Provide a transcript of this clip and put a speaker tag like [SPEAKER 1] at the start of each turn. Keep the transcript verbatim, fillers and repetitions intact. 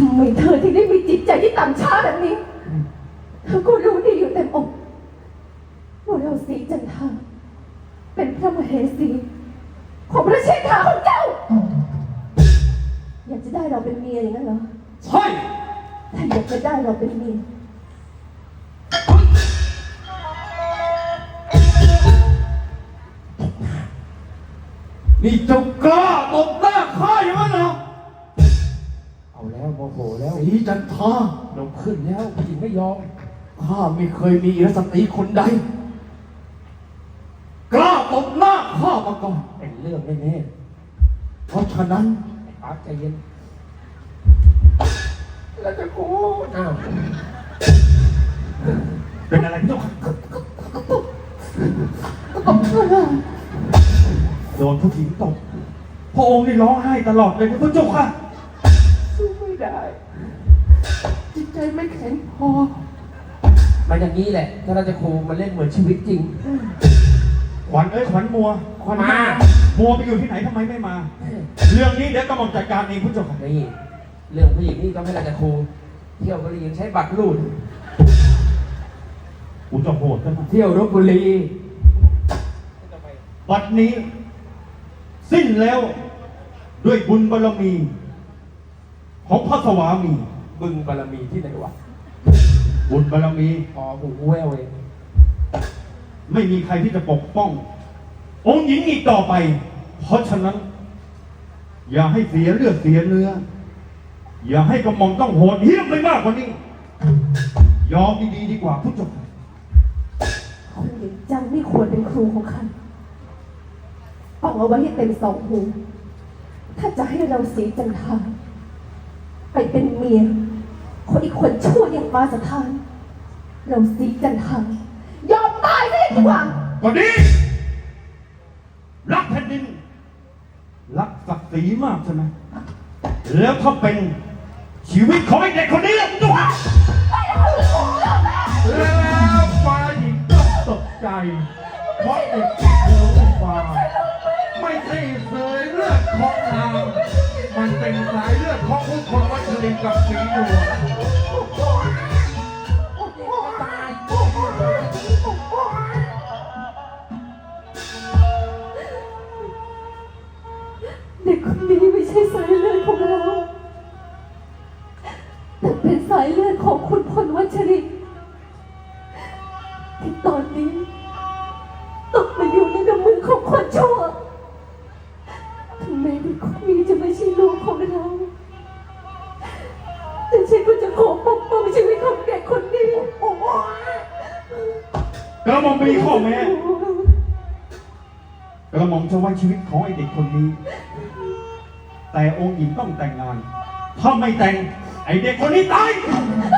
[SPEAKER 1] ำไมเธอถึงได้มีจิตใจที่ต่ำช้าแบบนี้เธอก็รู้ดีอยู่เต็มอกว่าเราสีจันทาเป็นพระมเหสีของพระเชษฐาของเจ้าอยากจะได้เราเป็นเมียอย่างนั้นเหรอ
[SPEAKER 2] ใช่
[SPEAKER 1] ถ้าอยากจะได้เราเป็นเมีย
[SPEAKER 2] นี่เจ้ากล้าตบหน้าข้าอย่างนั้นเหรอ
[SPEAKER 3] เอาแล้วโมโหแล้ว
[SPEAKER 2] สีจันทา
[SPEAKER 3] ลงขึ้นแล้วผู้หญิงไม่ยอม
[SPEAKER 2] ข้าไม่เคยมีอิรสตรีคนใดกล้าตบหน้าข้ามาก่อน
[SPEAKER 3] เป็นเรื่องแน่
[SPEAKER 2] ๆเพราะฉะนั้น
[SPEAKER 3] ไอ้ปาร์คใจเย็น
[SPEAKER 2] แล้วจะกู
[SPEAKER 3] อ้าว
[SPEAKER 2] เป็นอะไรพี่เจ้าค่ะโดนผู้หญิงตบพระองค์นี่ร้องไห้ตลอดเลยพระเจ้าค่ะ
[SPEAKER 1] สู้ไม่ได้จิตใจไม่แข็งพอ
[SPEAKER 3] มาอย่างนี้แหละถ้าเราจะครูมันเล่นเหมือนชีวิตจริง
[SPEAKER 2] ขวัญเอ้ยขวัญมัวขวัญมามัวไปอยู่ที่ไหนทำไมไม่มาเรื่องนี้เดี๋ยวกำลังจัดการเองพระเจ้าค่ะ
[SPEAKER 3] นี่เรื่องผู้หญิงนี่ก็ไม่ได้จะครูเที่ยวบุรียังใช้บัตรรูด
[SPEAKER 2] กูจะโหดกัน
[SPEAKER 3] เที่ยวรบบุรี
[SPEAKER 2] บัดนี้สิ้นแล้วด้วยบุญบารมีของพระสวามี
[SPEAKER 3] บึงบารมีที่ไหนวะ
[SPEAKER 2] บุญบารมี
[SPEAKER 3] พอหูแววเอง
[SPEAKER 2] ไม่มีใครที่จะปกป้ององค์หญิงอีกต่อไปเพราะฉะนั้นอย่าให้เสียเลือดเสียเนื้ออย่าให้กระหม่อมต้องโหดเหี้ยมไปมากกว่านี้ยอมดีๆดีกว่าผู้ชม
[SPEAKER 1] คนอย่างเจ้าไม่ควรเป็นครูของข้าฟังเอาไว้ให้เต็มสองหูถ้าจะให้เราสีจันทาไปเป็นเมียคนอีกคนชั่วอย่างมาสถานเราสีจันทายอมตายได้ดีกว่า
[SPEAKER 2] ก็ดีรักแผ่นดินรักศักดิ์ศรีมากใช่ไหมแล้วถ้าเป็นชีวิตของไอ้เด็กคนนี้ตัว
[SPEAKER 3] แล้วฝ่ายหญิงต้องตกใจเพราะเด็กเดินฟ้าไม่ใช่เสยเลือดของนางมันเป็นสายเลือดของผู้คนวัชรินกับสีดวง
[SPEAKER 1] เด็กคนนี้ไม่ใช่สายเลือดของเราแต่เป็นสายเลือดของคุณพลวัชรินทร์ที่ตอนนี้ตกมาอยู่ในกำมือของคนชั่วถึงแม้เด็กคนนี้จะไม่ใช่ลูกของเราแต่ฉันก็จะขอปกป้องชีวิตของเด็กคนนี้
[SPEAKER 2] กระหม่อมมีข้อแม้กระหม่อมจะไว้ชีวิตของไอ้เด็กคนนี้แต่องค์หญิงต้องแต่งงานถ้าไม่แต่งไอ้เด็กคนนี้ตาย